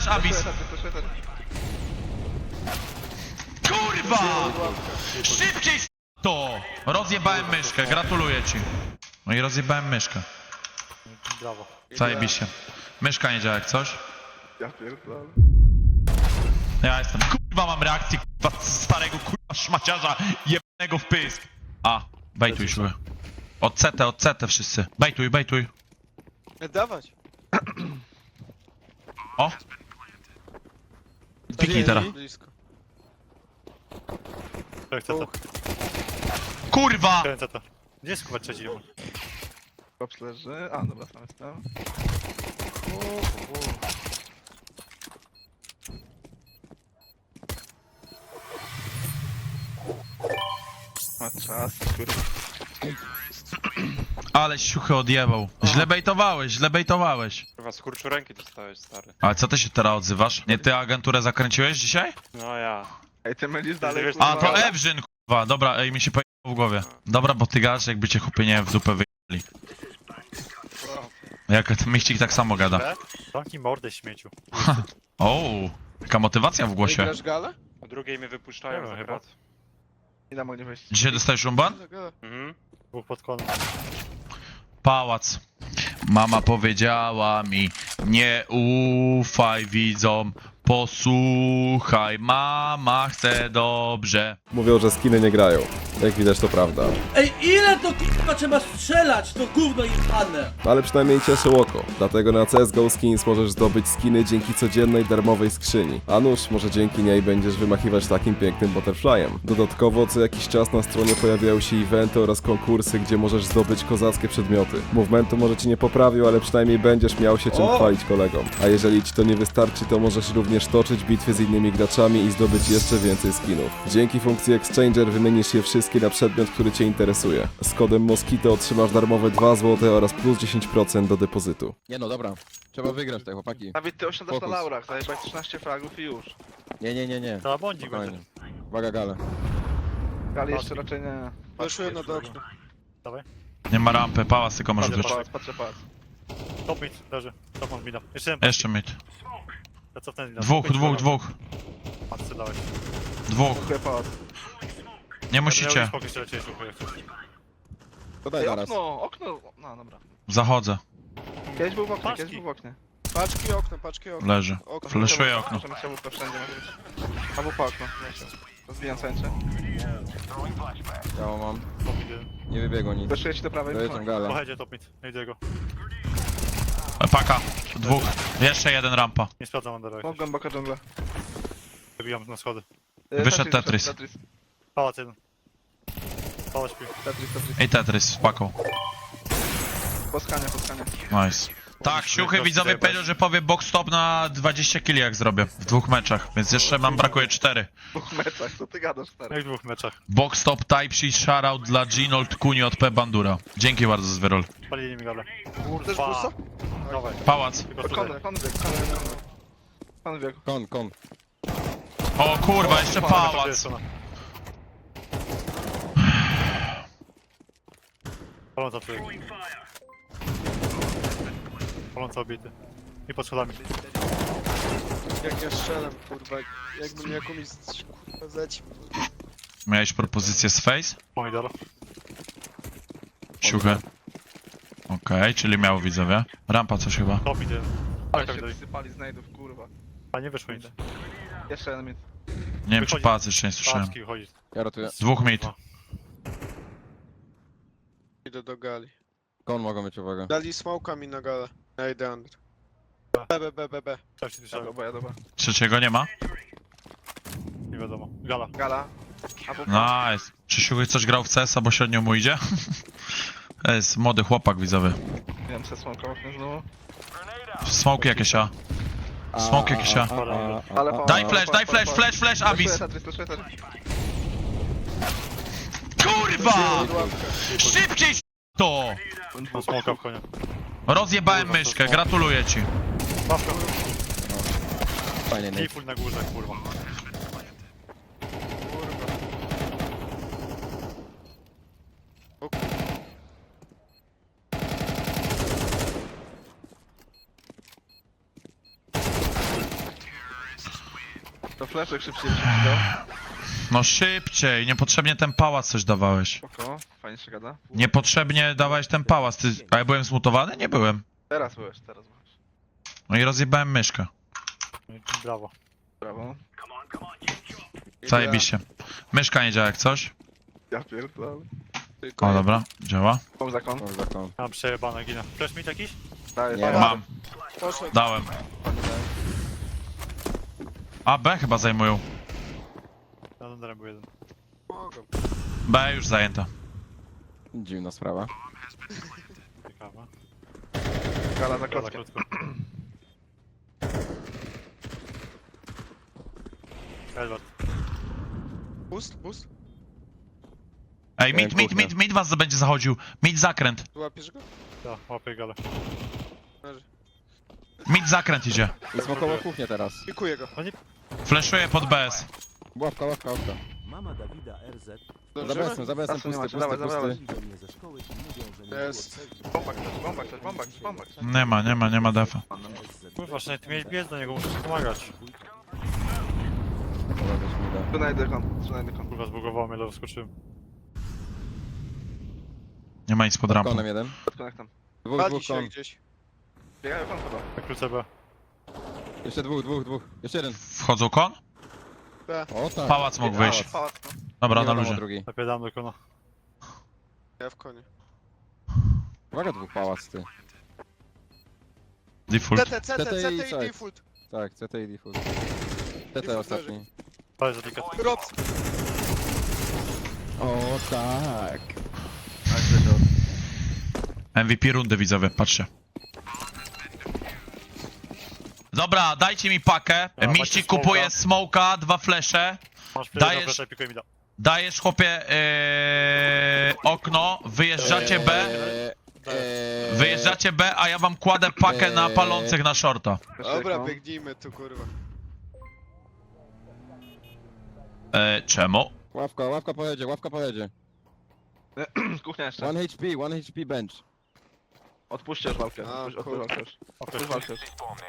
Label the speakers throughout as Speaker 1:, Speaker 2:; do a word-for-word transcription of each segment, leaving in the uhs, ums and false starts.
Speaker 1: flash, Abyss. Kurwa! Szybciej to! Rozjebałem myszkę, gratuluję ci. No i rozjebałem myszkę.
Speaker 2: Brawo.
Speaker 1: Zajebiście. Myszka nie działa jak coś.
Speaker 3: Ja pierdolę.
Speaker 1: Ja jestem, kurwa mam reakcję, kurwa starego kurwa szmaciarza jebanego w pysk. A, bejtuj szły. Od C T, od C T wszyscy. Bejtuj, bejtuj.
Speaker 4: Dawać.
Speaker 1: O! Piknij teraz.
Speaker 4: Blisko.
Speaker 2: Tak, co to?
Speaker 1: Kurwa!
Speaker 2: Kręcę to. Gdzie jest kurwa trzeci?
Speaker 3: Kops leży. A, dobra, sam jestem. Ma czas, kurwa.
Speaker 1: Ale siuchy odjebał. Źle bejtowałeś, źle bejtowałeś.
Speaker 5: Kurwa, skurczu ręki dostałeś, stary.
Speaker 1: Ale co ty się teraz odzywasz? Nie ty agenturę zakręciłeś dzisiaj?
Speaker 5: No ja.
Speaker 3: Ej, ty mylisz dalej,
Speaker 5: wiesz,
Speaker 3: kurwa.
Speaker 1: A to Ewrzyn, kurwa. Dobra, ej mi się pojechało w głowie. Dobra, bo ty gadasz jakby cię chłopie nie w dupę wyjęli. Jak ten miścik tak samo gada.
Speaker 2: E? Zamknij mordę śmieciu.
Speaker 1: O, taka motywacja w głosie.
Speaker 4: Grasz galę?
Speaker 5: O drugiej mnie wypuszczają
Speaker 2: Nie
Speaker 5: za
Speaker 2: wiem,
Speaker 5: krat.
Speaker 3: Nie da mogli wejść.
Speaker 1: Dzisiaj dostajesz rumban?
Speaker 5: Mhm.
Speaker 2: Dwóch pod konem.
Speaker 1: Pałac. Mama powiedziała mi, nie ufaj widzom, posłuchaj, mama chce dobrze.
Speaker 6: Mówią, że skiny nie grają. Jak widać, to prawda.
Speaker 7: Ej, ile to k***a trzeba strzelać, to gówno jebane!
Speaker 6: Ale przynajmniej cieszy oko. Dlatego na C S G O Skins możesz zdobyć skiny dzięki codziennej darmowej skrzyni. A nuż, może dzięki niej będziesz wymachiwać takim pięknym butterflyem. Dodatkowo co jakiś czas na stronie pojawiają się eventy oraz konkursy, gdzie możesz zdobyć kozackie przedmioty. Movementu może ci nie poprawił, ale przynajmniej będziesz miał się czym
Speaker 7: O!
Speaker 6: chwalić kolegom. A jeżeli ci to nie wystarczy, to możesz również toczyć bitwy z innymi graczami i zdobyć jeszcze więcej skinów. Dzięki funkcji Exchanger wymienisz je wszystkie na przedmiot, który cię interesuje. Z kodem Moskito otrzymasz darmowe dwa złote oraz plus dziesięć procent do depozytu.
Speaker 8: Nie no, dobra. Trzeba wygrać te chłopaki.
Speaker 3: Dawid, ty osiadasz na
Speaker 8: Fokus.
Speaker 3: laurach, zajebać trzynaście fragów i już.
Speaker 8: Nie, nie, nie, nie.
Speaker 2: To błądzik będzie.
Speaker 8: Spokojnie. Uwaga, gale.
Speaker 3: Ale jeszcze raczej nie.
Speaker 4: Weszły na do okna.
Speaker 2: Dawaj.
Speaker 1: Nie ma rampy, pałac tylko może
Speaker 2: Patrzę,
Speaker 1: być.
Speaker 3: Pałac, patrzę, pałac.
Speaker 2: Top mid, leży. Top on mida. Jeszcze jeden.
Speaker 1: Jeszcze mid.
Speaker 2: Ja cofnę mida.
Speaker 1: Dwóch, dwóch, dwóch.
Speaker 2: Matce dałeś.
Speaker 1: Dwóch.
Speaker 3: Dziękuję, pałac.
Speaker 1: Nie musicie.
Speaker 2: Spokój jeszcze lecieć, słuchaj, jak chcesz.
Speaker 8: To daj
Speaker 3: Ej,
Speaker 8: zaraz.
Speaker 3: okno, okno. No, dobra.
Speaker 1: Zachodzę.
Speaker 3: Kiedyś był w oknie,
Speaker 2: Paczki.
Speaker 3: kiedyś był w oknie.
Speaker 4: Paczki okno, paczki okno.
Speaker 1: Leży.
Speaker 4: Okno.
Speaker 1: Flashuję okno.
Speaker 3: Możemy się łupę wszędzie może być. Albo po okno. Rozbijam sęczę.
Speaker 8: Ja mam.
Speaker 2: Top mid jeden.
Speaker 8: Nie wybiegło nic.
Speaker 3: Wyszuję ci do prawej.
Speaker 8: Dojeżdżam galę.
Speaker 2: Pochedzie top mid. Nie idę go.
Speaker 1: Paka. Dwóch. Jeszcze jeden rampa.
Speaker 2: Nie sprawdzam undera.
Speaker 3: Smok głęboka dżungla.
Speaker 2: Zabijam na schody.
Speaker 3: Y,
Speaker 1: Wyszedł Tetris.
Speaker 3: Tetris,
Speaker 2: Pałac jeden. Pałac śpi.
Speaker 3: Tetris, Tetris.
Speaker 1: I Tetris z paką.
Speaker 3: Poskanie, poskanie.
Speaker 1: Nice. Tak, siuchy widzowie powiedział, że powie box stop na dwadzieścia killi jak zrobię. W dwóch meczach, więc jeszcze nam brakuje cztery.
Speaker 3: W dwóch meczach, co ty gadasz, stary?
Speaker 2: Jak w dwóch meczach.
Speaker 1: Box stop type sheet shoutout dla Ginold Kuni od P Bandura. Dzięki bardzo Zwyrol.
Speaker 2: Palili mi galę.
Speaker 4: Też bursa?
Speaker 2: Dawaj.
Speaker 1: Pałac.
Speaker 2: Tylko
Speaker 3: To
Speaker 2: tutaj.
Speaker 3: Konwy, konwy, konwy, konwy. Konwy biegł.
Speaker 8: Kon, kon.
Speaker 1: O kurwa, jeszcze pałac.
Speaker 2: Paląca człowiek. Paląca obity. I pod schodami.
Speaker 4: Jak ja strzelam, kurwa. Jakbym jakąś kurwa zleci.
Speaker 1: Miałeś propozycję z face?
Speaker 2: Pomidor.
Speaker 1: Siuchy. Okej, czyli miał widzowie. Rampa coś chyba.
Speaker 2: Top mid jeden.
Speaker 3: Ale
Speaker 2: Tak, tak,
Speaker 3: się
Speaker 2: dalej.
Speaker 3: wysypali znajdów, kurwa.
Speaker 2: A nie wyszło nic.
Speaker 3: Jeszcze jeden mit.
Speaker 1: Nie wiem czy
Speaker 2: Wychodzi.
Speaker 1: pałac jeszcze nie słyszałem.
Speaker 2: Paczki wychodzi.
Speaker 8: Ja ratuję.
Speaker 1: Dwóch mid.
Speaker 4: Idę do gali.
Speaker 8: Kon mogą mieć uwagę.
Speaker 4: Dali smoka mi na galę. Ja idę under. B, B, B, B, B.
Speaker 2: Tak się
Speaker 3: Ja
Speaker 2: słyszałem.
Speaker 3: dobra, ja dobra.
Speaker 1: Trzeciego nie ma?
Speaker 2: Nie wiadomo. Gala.
Speaker 3: Gala. Albo
Speaker 1: Nice. Czy siuchy coś grał w C S, bo średnio mu idzie? To jest młody chłopak widzowy.
Speaker 3: Nie wiem, co smoka okno znowu.
Speaker 1: Smoke jakieś a. Smoke jakieś a.
Speaker 3: Ale po-
Speaker 1: Daj
Speaker 3: po-
Speaker 1: flash,
Speaker 3: po-
Speaker 1: daj
Speaker 3: po-
Speaker 1: flash,
Speaker 3: po-
Speaker 1: flash, flash,
Speaker 3: Flashuję
Speaker 1: Abyss.
Speaker 3: Tetris, flashuję Tetris.
Speaker 1: Kurwa! Szybciej to!
Speaker 2: Mam smoka w konie.
Speaker 1: Rozjebałem myszkę, gratuluję ci.
Speaker 2: Pawka.
Speaker 8: Fajnie, nie.
Speaker 2: Default na górze, kurwa.
Speaker 3: To fleszek szybciej szybciej dał.
Speaker 1: No szybciej, niepotrzebnie ten pałac coś dawałeś.
Speaker 3: Spoko, fajnie się gada.
Speaker 1: Niepotrzebnie dawałeś ten pałac. Ty... A ja byłem zmutowany? Nie byłem.
Speaker 3: Teraz byłeś, teraz byłeś.
Speaker 1: No i rozjebałem myszkę.
Speaker 2: Brawo.
Speaker 3: Brawo.
Speaker 1: Zajebiście. Myszka nie działa jak coś.
Speaker 3: Ja pierdolę.
Speaker 1: O dobra, działa.
Speaker 3: Pom za kon.
Speaker 8: Mam zakon.
Speaker 2: Mam przejebane, ginę. Flash mit jakiś?
Speaker 3: Daję,
Speaker 8: Nie.
Speaker 3: daję.
Speaker 1: Mam,
Speaker 4: Poszedł.
Speaker 1: dałem. A B chyba zajmują.
Speaker 2: Na Dunderem był jeden.
Speaker 4: Mogą.
Speaker 1: B już zajęta.
Speaker 8: Dziwna sprawa.
Speaker 2: Ciekawe.
Speaker 3: Gala za
Speaker 2: Gala
Speaker 3: klatkę.
Speaker 2: krótko. Edward.
Speaker 4: Boost, boost.
Speaker 1: Ej, mid, mid, mid, mid was będzie zachodził. Mid zakręt.
Speaker 4: Tu łapiesz go?
Speaker 2: Tak, łapię galę.
Speaker 4: Leży.
Speaker 1: Mid zakręt idzie.
Speaker 8: I smokowo kuchnię teraz.
Speaker 4: Pikuję go.
Speaker 1: Flashuje pod B S.
Speaker 8: Łapka, łapka, łapka.
Speaker 9: Mama Dawida R Z
Speaker 8: Za
Speaker 4: Dążymy?
Speaker 8: besem, za besem,
Speaker 3: Czasu nie
Speaker 8: pusty,
Speaker 3: macie,
Speaker 8: pusty,
Speaker 3: dawaj, dawaj,
Speaker 8: pusty.
Speaker 9: do mnie ze szkoły i mówią, że nie
Speaker 4: Jest.
Speaker 3: Bomba ktoś, bomba ktoś, bomba ktoś, bomba ktoś.
Speaker 1: Nie ma, nie ma, nie ma defa.
Speaker 2: Kurwa, że ty miałeś biec do niego, muszę ci pomagać.
Speaker 8: Dobra, weź mi da.
Speaker 3: Tu najdę kon, tu najdę kon.
Speaker 2: Kurwa, zbugowało mnie, ale wskoczyłem.
Speaker 1: Nie ma nic pod rampą.
Speaker 8: Konem jeden.
Speaker 3: Pod konektem.
Speaker 8: Dwóch,
Speaker 4: Wali
Speaker 8: dwóch
Speaker 4: się
Speaker 8: kon.
Speaker 4: gdzieś.
Speaker 3: Biegają kon chyba.
Speaker 2: Na krótce B.
Speaker 8: Jeszcze dwóch, dwóch, dwóch. Jeszcze jeden.
Speaker 1: Wchodzą kon?
Speaker 8: O tak.
Speaker 1: Pałac mógł wyjść.
Speaker 3: Pałac, no.
Speaker 1: Dobra,
Speaker 8: Nie
Speaker 1: na
Speaker 8: wiadomo
Speaker 1: luzie.
Speaker 8: drugi.
Speaker 2: Napierdam do kona.
Speaker 4: Ja w konie.
Speaker 8: Uwaga, dwóch pałac, ty.
Speaker 1: Default.
Speaker 4: C T, C T,
Speaker 8: C T
Speaker 4: C
Speaker 8: i
Speaker 4: T i
Speaker 8: side.
Speaker 4: default.
Speaker 8: Tak, C T i default. C T
Speaker 4: Default
Speaker 8: ostatni.
Speaker 2: Ale za delikatnie.
Speaker 4: Rops.
Speaker 8: O tak.
Speaker 1: M V P rundy widzowie, patrzcie. Dobra, dajcie mi pakę.
Speaker 2: A,
Speaker 1: Miści
Speaker 2: macie
Speaker 1: kupuje
Speaker 2: smoka.
Speaker 1: smoka, dwa flesze.
Speaker 2: Masz
Speaker 1: Dajesz-
Speaker 2: Dajesz... Flash, pikuj mi da.
Speaker 1: Dajesz chłopie yy, okno, wyjeżdżacie B.
Speaker 8: Eee, eee,
Speaker 1: Wyjeżdżacie B, a ja wam kładę pakę na palących na shorta.
Speaker 4: Dobra, biegnijmy tu kurwa.
Speaker 1: E, czemu?
Speaker 8: Ławka, ławka pojedzie, ławka pojedzie.
Speaker 3: Kuchnia jeszcze.
Speaker 8: One H P, one H P bench.
Speaker 3: Odpuśćcie już walkę.
Speaker 4: A,
Speaker 3: Odpuść-
Speaker 4: kurwa.
Speaker 3: Odpuść walkę już.
Speaker 2: O,
Speaker 3: Odpuść
Speaker 2: flash.
Speaker 3: walkę już.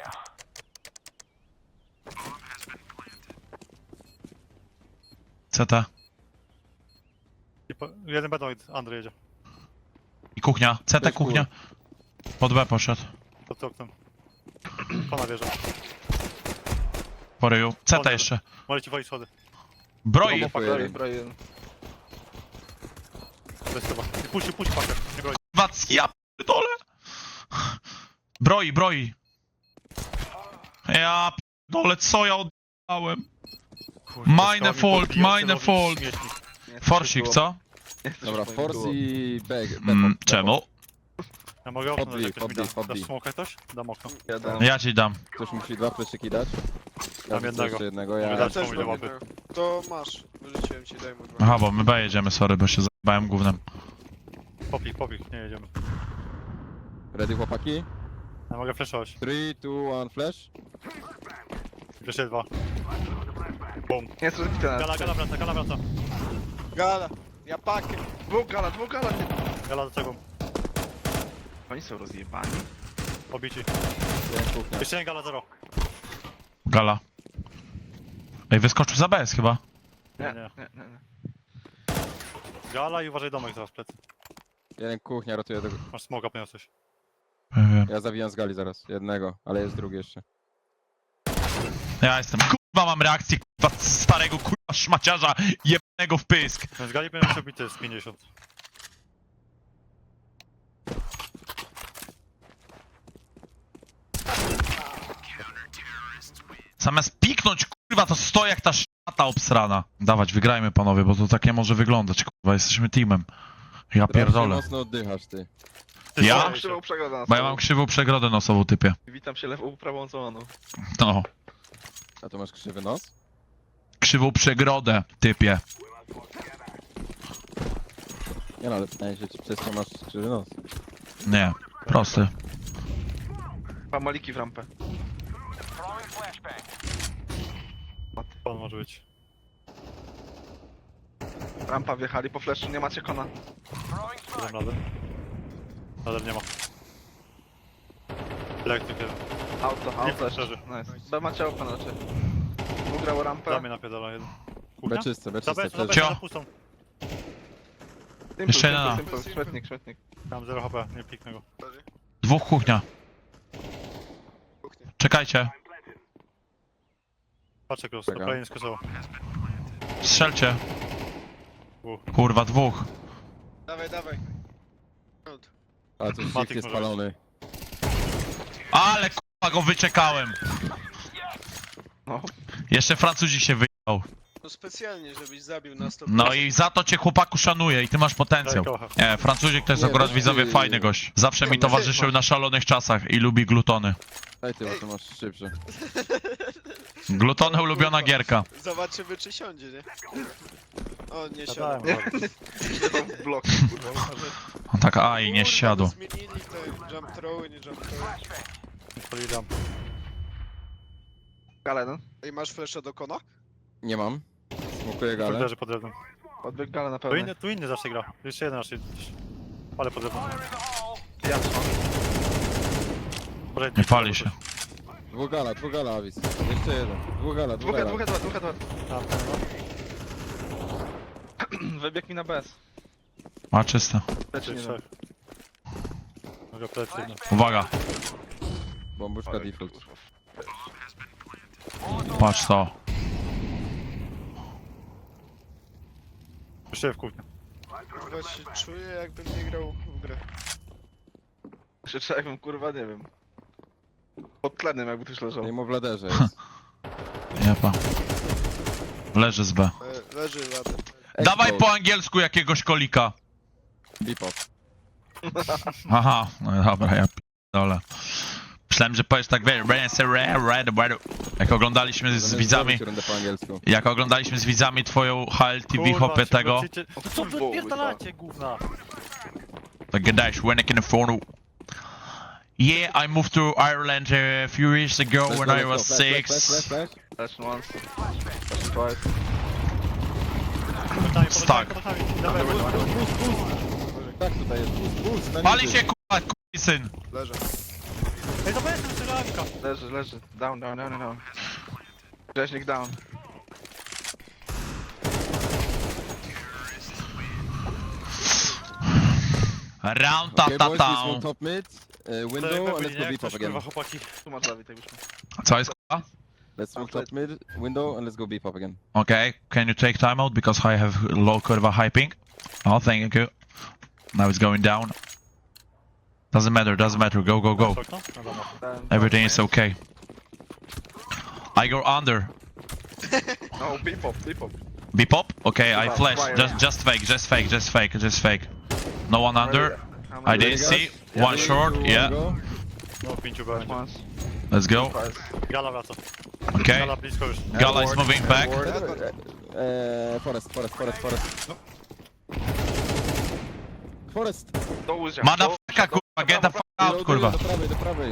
Speaker 1: C T.
Speaker 2: I po- Jeden będą, Andrzej jedzie.
Speaker 1: I kuchnia. C T
Speaker 8: Też
Speaker 1: kuchnia. Pod B poszedł.
Speaker 2: Pod oknem. Kona wieża.
Speaker 1: Po ryju. C T
Speaker 2: Dobra.
Speaker 1: jeszcze.
Speaker 2: Może ci walić schody.
Speaker 1: Broi.
Speaker 3: Bomba broi, broi jeden.
Speaker 2: To jest chyba. I puść, puść pakę. Nie broni.
Speaker 1: Wac, ja pierdolę. Broi, broi. Ja pierdolę, co ja oddałem? Mine fault, mine fault.
Speaker 3: Nie,
Speaker 1: Forsik,
Speaker 3: było.
Speaker 1: co?
Speaker 3: Nie chcesz
Speaker 8: Dobra,
Speaker 3: już
Speaker 8: force
Speaker 3: było.
Speaker 8: i bag.
Speaker 1: Mm, czemu?
Speaker 2: Ja mogę okno
Speaker 8: Podbij,
Speaker 2: dać, jakoś mi da.
Speaker 8: podbij, podbij.
Speaker 2: Dasz smoka ktoś? Dam okno.
Speaker 3: Jeden.
Speaker 1: Ja ci dam.
Speaker 8: Ktoś musi dwa fleszyki dać. Ja
Speaker 2: jednego.
Speaker 8: Jeszcze jednego,
Speaker 2: Mogę
Speaker 8: ja...
Speaker 2: dać.
Speaker 4: Też
Speaker 2: komu ile
Speaker 4: mam
Speaker 2: łapy?
Speaker 4: jednego. To masz. Wyrzuciłem ci, daj mu dwa.
Speaker 1: Aha, bo my B jedziemy, sorry, bo się zajebałem gównem.
Speaker 2: Popik, popik, nie jedziemy.
Speaker 8: Ready chłopaki?
Speaker 2: Ja mogę flashować.
Speaker 8: trzy, dwa, jeden, flash.
Speaker 2: Jeszcze dwa. Bum.
Speaker 3: Nie jest rozbity na
Speaker 2: Gala, gala wraca, gala wraca.
Speaker 4: Gala. Ja pakę.
Speaker 3: Dwóch gala, dwóch gala.
Speaker 2: Gala do tego.
Speaker 3: Oni są rozjebani.
Speaker 2: Pobici.
Speaker 8: Jeden kuchnia.
Speaker 2: Jeszcze jeden gala zero.
Speaker 1: Gala. Ej, wyskoczył za B S chyba.
Speaker 2: Nie,
Speaker 3: Nie,
Speaker 2: nie.
Speaker 3: nie, nie. nie.
Speaker 2: Gala i uważaj domek teraz w plecy.
Speaker 8: Jeden kuchnia, rotuje do...
Speaker 2: Masz smoka, poniosłeś.
Speaker 1: Wiem.
Speaker 8: Ja zawijam z gali zaraz. Jednego, ale jest drugi jeszcze.
Speaker 1: Ja jestem, kurwa mam reakcję, kurwa starego kurwa szmaciarza jebanego w pysk.
Speaker 2: Ten z gali będzie musiał bity z pięćdziesiąt.
Speaker 1: Zamiast piknąć, kurwa, to stoi jak ta szata obsrana. Dawać, wygrajmy panowie, bo to tak nie może wyglądać, kurwa, jesteśmy teamem. Ja
Speaker 8: Strasznie
Speaker 1: pierdolę.
Speaker 8: mocno oddychasz, ty.
Speaker 2: Ty
Speaker 1: Ja?
Speaker 2: strzelaj się.
Speaker 3: Krzywą przegodę na
Speaker 1: Bo ja
Speaker 3: sobą.
Speaker 1: mam krzywą przegrodę nosową, typie.
Speaker 3: Witam się lewą prawą czołoną.
Speaker 1: No,
Speaker 8: A tu masz krzywy nos?
Speaker 1: krzywą przegrodę, typie.
Speaker 8: Nie no, ale pytanie się, czy przez to masz krzywy nos.
Speaker 1: Nie, prosty.
Speaker 3: Dwa maliki w rampę.
Speaker 2: Pan może być.
Speaker 3: Rampa wjechali po flashu, nie macie kona.
Speaker 2: Dam radę. Ale nie ma. Elektryk jeden.
Speaker 3: Auto,
Speaker 2: Nie,
Speaker 3: auto jeszcze.
Speaker 2: leży.
Speaker 3: Nice. B macie open raczej. Ugrał
Speaker 2: Dla
Speaker 3: rampę.
Speaker 2: mnie napierdala jeden.
Speaker 8: B
Speaker 2: Kuchnia?
Speaker 8: czyste, B
Speaker 2: Za
Speaker 8: czyste.
Speaker 2: bez, za bez,
Speaker 8: Przeżył.
Speaker 1: Cio.
Speaker 2: za pustą.
Speaker 3: Simple,
Speaker 1: Jeszcze jedna.
Speaker 3: simple, simple. Śmietnik, śmietnik.
Speaker 2: Tam zero H P, nie piknę go.
Speaker 1: Dwóch kuchnia.
Speaker 4: Kuchnia.
Speaker 1: Czekajcie.
Speaker 2: Patrzę cross,
Speaker 8: Czekam.
Speaker 2: to play nie skosował.
Speaker 1: Strzelcie.
Speaker 2: Dwóch.
Speaker 1: Kurwa, dwóch.
Speaker 4: Dawaj, dawaj.
Speaker 8: A tu
Speaker 2: Matik
Speaker 8: shift jest
Speaker 2: może
Speaker 8: spalony.
Speaker 1: Ale kurwa go wyczekałem.
Speaker 3: No.
Speaker 1: Jeszcze Francuzik się wyjął.
Speaker 4: No specjalnie, żebyś zabił na sto
Speaker 1: No i za to cię chłopaku szanuję i ty masz potencjał.
Speaker 2: Daj kocha.
Speaker 1: Nie, Francuzik to jest
Speaker 8: Nie,
Speaker 1: akurat
Speaker 8: no
Speaker 1: widzowie
Speaker 8: ty-
Speaker 1: fajny gość. Zawsze mi
Speaker 4: Nie, no ty
Speaker 1: towarzyszył
Speaker 4: masz.
Speaker 1: na szalonych czasach i lubi glutony.
Speaker 8: Daj ty, bo to masz szybsze.
Speaker 1: Glutony ulubiona gierka.
Speaker 4: Zobaczymy, czy siądzie, nie? O, nie
Speaker 2: Zadałem
Speaker 4: siadł.
Speaker 2: go.
Speaker 3: Nie to w blok, kurwa. uważaj.
Speaker 1: On tak aj, nie
Speaker 4: Kurwa,
Speaker 1: siadł.
Speaker 4: no zmienili te jump throwy, nie jump throwy.
Speaker 2: Pali ramp.
Speaker 3: Gale, no.
Speaker 4: Ej, masz flasha do kona?
Speaker 8: Nie mam. Smokuję galę.
Speaker 2: Leży pod drewnem.
Speaker 3: Odbieg gale na
Speaker 2: Tu
Speaker 3: pewno.
Speaker 2: inny, tu inny zawsze gra. Jeszcze jeden raczej. Ale pod drewnem.
Speaker 3: Ja trzymam.
Speaker 2: Może
Speaker 1: Nie pali się.
Speaker 8: Dwóch gala, dwóch gala, Avis. Jeszcze jeden. Dwóch gala, dwóch
Speaker 3: Dwóch,
Speaker 8: gala.
Speaker 3: dwóch, dwa, dwóch, dwa.
Speaker 2: Tam, tam, no.
Speaker 3: Wybieg mi na bez.
Speaker 1: A czysto.
Speaker 3: Lecz
Speaker 2: Trzy,
Speaker 3: nie
Speaker 2: trzech. Mogę plecy jedno.
Speaker 1: Uwaga.
Speaker 8: Bombuszka default.
Speaker 1: Patrz to.
Speaker 2: Jeszcze w kuchni.
Speaker 4: Chyba się czuję, jakbym nie grał w grę.
Speaker 3: Krzyczę jakbym, kurwa, nie wiem. Pod tlenem jakby ktoś leżał.
Speaker 8: Nie mu w laderze jest.
Speaker 1: Jepa. Leży z B.
Speaker 4: E, leży ładny.
Speaker 1: Dawaj
Speaker 8: Expo.
Speaker 1: po angielsku jakiegoś kolika.
Speaker 8: Bipop.
Speaker 1: Aha, no dobra, ja p***dolę. Myślałem, że powiesz tak, wiesz, jak oglądaliśmy z
Speaker 8: Zamiast
Speaker 1: widzami,
Speaker 8: zrobić rundę po angielsku.
Speaker 1: jak oglądaliśmy z widzami twoją H L T V
Speaker 2: Kurwa,
Speaker 1: hopie
Speaker 2: ci
Speaker 1: tego,
Speaker 2: wrócicie- No co wy odpierdalacie, gówna?
Speaker 1: to gadałeś, when I can afford it. Yeah, I moved to Ireland uh, a few years ago
Speaker 8: Let's
Speaker 1: when
Speaker 8: go,
Speaker 1: I
Speaker 8: let's
Speaker 1: was
Speaker 8: go. Flash, flash,
Speaker 1: six.
Speaker 8: flash, flash, flash.
Speaker 3: Lecz once. Lecz twice.
Speaker 2: Podami,
Speaker 1: Stuck.
Speaker 2: podami, podami. Dawaj,
Speaker 8: Tak, tutaj jest. Boost, boost, na
Speaker 1: Pali
Speaker 8: niby.
Speaker 1: się kurwa, kurwa syn.
Speaker 4: Leży.
Speaker 2: Ej, to jest strzelanka.
Speaker 3: Leży, leży. Down, down, down, down. Rzeźnik down.
Speaker 1: Round ta
Speaker 8: Okay,
Speaker 1: ta
Speaker 8: boys,
Speaker 1: ta.
Speaker 8: this one top mid, uh, window, and let's go Bipop again.
Speaker 2: Kurwa, chłopaki.
Speaker 3: Tu masz Dawid, jakbyśmy.
Speaker 1: Co jest kurwa?
Speaker 8: Let's smoke top mid, window, and let's go Bipop again.
Speaker 1: Okay, can you take timeout because I have low curva high ping? Oh, thank you. Now it's going down. Doesn't matter, doesn't matter. Go, go, go.
Speaker 2: Okno? No dobra.
Speaker 3: Ten-
Speaker 1: Everything is okay. I go under.
Speaker 3: No, bipop, bipop.
Speaker 1: Be pop? Okay, I
Speaker 3: Wow,
Speaker 1: flash.
Speaker 3: fire.
Speaker 1: Just, just fake, just fake, just fake, just fake. No one under.
Speaker 3: I'm
Speaker 1: I
Speaker 3: ready,
Speaker 1: didn't
Speaker 3: guys.
Speaker 1: see.
Speaker 8: Yeah,
Speaker 1: One
Speaker 8: three,
Speaker 1: short.
Speaker 8: two, one,
Speaker 1: Yeah.
Speaker 8: go.
Speaker 2: No, pięciu będzie.
Speaker 3: Once,
Speaker 1: Let's go.
Speaker 3: twice.
Speaker 2: Gala wraca.
Speaker 1: Okay.
Speaker 2: Gala blisko już.
Speaker 1: Gala is moving back.
Speaker 8: Uh, uh, forest, forest, forest, forest. Forest!
Speaker 3: Do łóżka.
Speaker 1: Motherfucker, kurwa, get the fuck out, kurwa.
Speaker 8: Do prawej, do prawej.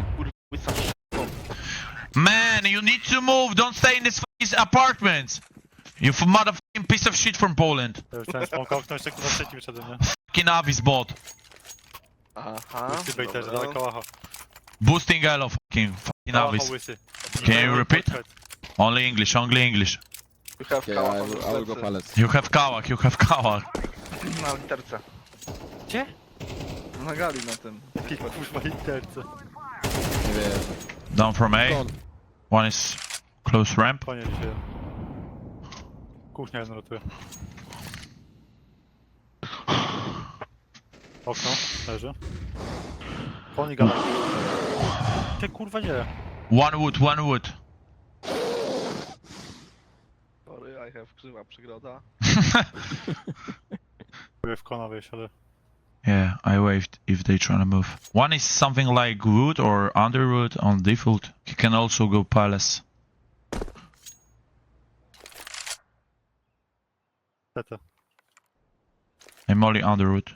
Speaker 1: Man, you need to move. Don't stay in this fucking apartment. You f- motherfucking piece of shit from Poland.
Speaker 2: Ja już chciałem spąkał, jeszcze kurwa trzeci wyszedłem, nie?
Speaker 1: Fucking Avis bot.
Speaker 3: Aha,
Speaker 2: Łysy bejterzy,
Speaker 3: dobra.
Speaker 2: dawaj kałacha.
Speaker 1: Boosting elo, fucking fucking
Speaker 2: Kałacha
Speaker 1: Avis.
Speaker 2: łysy.
Speaker 1: Can you repeat? Only English, only English.
Speaker 3: You have
Speaker 8: Okay,
Speaker 3: kałach
Speaker 8: I
Speaker 3: on
Speaker 8: will,
Speaker 3: the
Speaker 8: I will go
Speaker 3: plecy.
Speaker 8: palace.
Speaker 1: You have kałach, you have kałach.
Speaker 3: Na literce.
Speaker 2: Gdzie?
Speaker 3: Na gali na tym.
Speaker 2: Jaki kurwa literce.
Speaker 8: Nie wierzę.
Speaker 1: Down from A.
Speaker 8: Kon.
Speaker 1: One is close ramp.
Speaker 2: Panie dzisiaj. Kuchnia jedna rotuje. Okno, leży. Poni gala. Ty kurwa nie.
Speaker 1: One wood, one wood.
Speaker 3: Sorry, I have krzywa przygroda.
Speaker 2: Próbuję w kona wejść, ale...
Speaker 1: Yeah, I waved if they trying to move. One is something like wood or underwood on default. He can also go palace.
Speaker 2: Tete.
Speaker 1: I'm only underwood.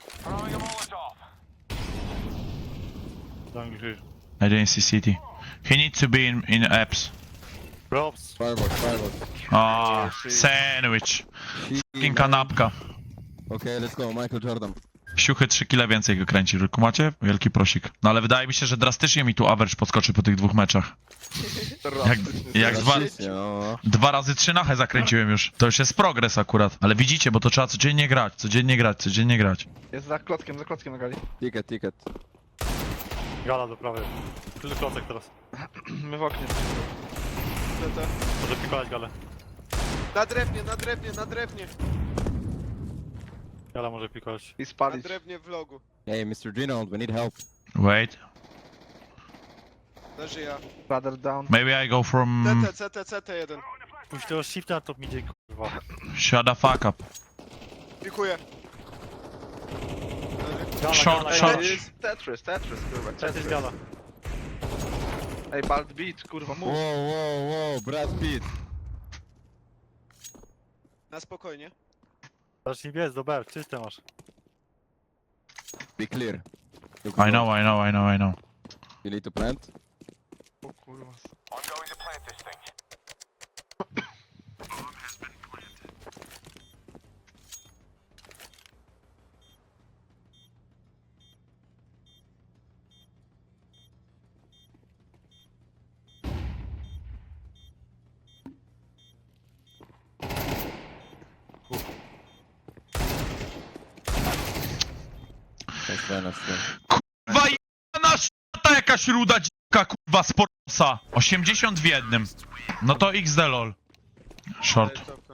Speaker 2: Dam gry.
Speaker 1: I didn't see city. He needs to be in in apps.
Speaker 2: Props.
Speaker 8: Firebox, firebox.
Speaker 1: Ah, sandwich. Fucking kanapka.
Speaker 8: Okay, let's go, Michael Jordan.
Speaker 1: Siuchy trzy kile więcej go kręci, kumacie? Wielki prosik. No ale wydaje mi się, że drastycznie mi tu average podskoczy po tych dwóch meczach. Jak, jak dwa,
Speaker 8: Drastycznie, no.
Speaker 1: dwa razy trzy nachę zakręciłem już. To już jest progres akurat. Ale widzicie, bo to trzeba codziennie grać, codziennie grać, codziennie grać.
Speaker 3: Jest za klockiem, za klockiem na gali.
Speaker 8: Ticket, ticket.
Speaker 2: Gala do prawej. Tyle klocek teraz.
Speaker 3: My w oknie.
Speaker 4: C T.
Speaker 2: Może pikować galę.
Speaker 4: Na drewnie, na drewnie, na drewnie.
Speaker 2: Gala może pikować.
Speaker 3: I
Speaker 4: Na
Speaker 3: spalić.
Speaker 4: drewnie w logu.
Speaker 8: Hey, mister Ginold, we need help.
Speaker 1: Wait.
Speaker 4: Leży ja.
Speaker 3: Brother down.
Speaker 1: Maybe I go from...
Speaker 4: C T, C T, C T jeden.
Speaker 2: Pójdź tego shifta na top midzie, kurwa.
Speaker 1: Shut the fuck up.
Speaker 4: Pikuję.
Speaker 2: Gala,
Speaker 1: Short,
Speaker 2: gala,
Speaker 1: short.
Speaker 2: gala.
Speaker 3: Jest Tetris, Tetris, kurwa.
Speaker 2: To jest
Speaker 3: Tetris.
Speaker 2: gala.
Speaker 3: Ej, Bald Beat, kurwa,
Speaker 8: Wow,
Speaker 3: mów.
Speaker 8: wow, wow, Brad Pitt.
Speaker 4: Na spokojnie.
Speaker 2: Zacznij biec do B, czyste masz.
Speaker 8: Be clear. Look
Speaker 1: I know, I know, I know, I know.
Speaker 8: You need to plant?
Speaker 3: O kurwa.
Speaker 8: That's very nice.
Speaker 1: Kurwa jebana szata jakaś ruda dzika, kurwa, z Porosa. osiemdziesiąt w jednym. No to X D lol. Short.
Speaker 4: Daję topkę.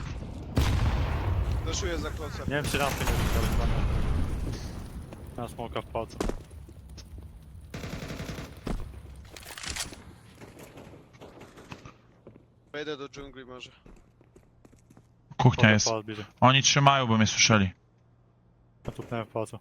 Speaker 4: Doszuję za klocem.
Speaker 2: Nie wiem czy rampy nie będzie, ale chyba nie. Na smoka w palcu.
Speaker 4: Wejdę do dżungli może.
Speaker 1: Kuchnia jest.
Speaker 2: Palc bierze.
Speaker 1: Oni trzymają, bo mnie słyszeli.
Speaker 2: Ja tupnąłem w palcu.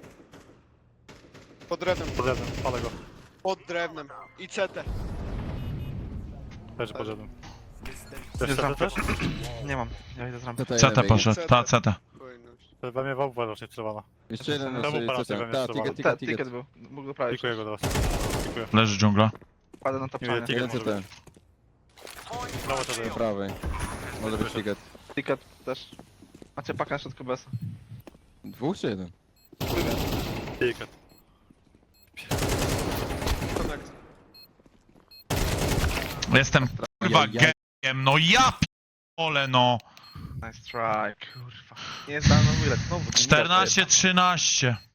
Speaker 4: Pod drewnem.
Speaker 2: Podjadłem, palę go.
Speaker 4: Pod drewnem. I C T.
Speaker 2: Też podjadłem.
Speaker 3: Jest
Speaker 2: Chcesz
Speaker 3: rampy.
Speaker 2: też?
Speaker 3: Nie mam. Ja idę z rampy.
Speaker 8: C T
Speaker 1: C T
Speaker 8: jeden
Speaker 1: poszedł, ta C T.
Speaker 4: Spokojność.
Speaker 2: To we mnie wałba raczej celowana.
Speaker 8: Jeszcze jeden na
Speaker 2: Czemu
Speaker 8: sobie,
Speaker 2: palce
Speaker 8: co
Speaker 2: we
Speaker 8: tam?
Speaker 2: mnie
Speaker 8: Ta,
Speaker 2: strzelowano?
Speaker 8: ticket,
Speaker 3: Te,
Speaker 8: ticket, ticket.
Speaker 3: ticket był. Mógł doprawić.
Speaker 2: Pikuję go teraz. Pikuję.
Speaker 1: Leży dżungla.
Speaker 3: Kładę na
Speaker 2: Nie
Speaker 3: tapczanie.
Speaker 2: wiem,
Speaker 8: Jeden
Speaker 2: Ticket
Speaker 8: C T.
Speaker 2: Prawo to
Speaker 8: Po
Speaker 2: daje.
Speaker 8: prawej. Może być ticket.
Speaker 3: Ticket też. Macie pakę na środku bez.
Speaker 8: Dwóch czy jeden?
Speaker 2: Ticket.
Speaker 4: Connect.
Speaker 1: Jestem kurwa
Speaker 8: Ja- ja-
Speaker 1: gejem, no ja p***ole no.
Speaker 3: Nice try, kurwa. Nie zdałem na wylec, znowu. ten
Speaker 1: czternaście trzynaście.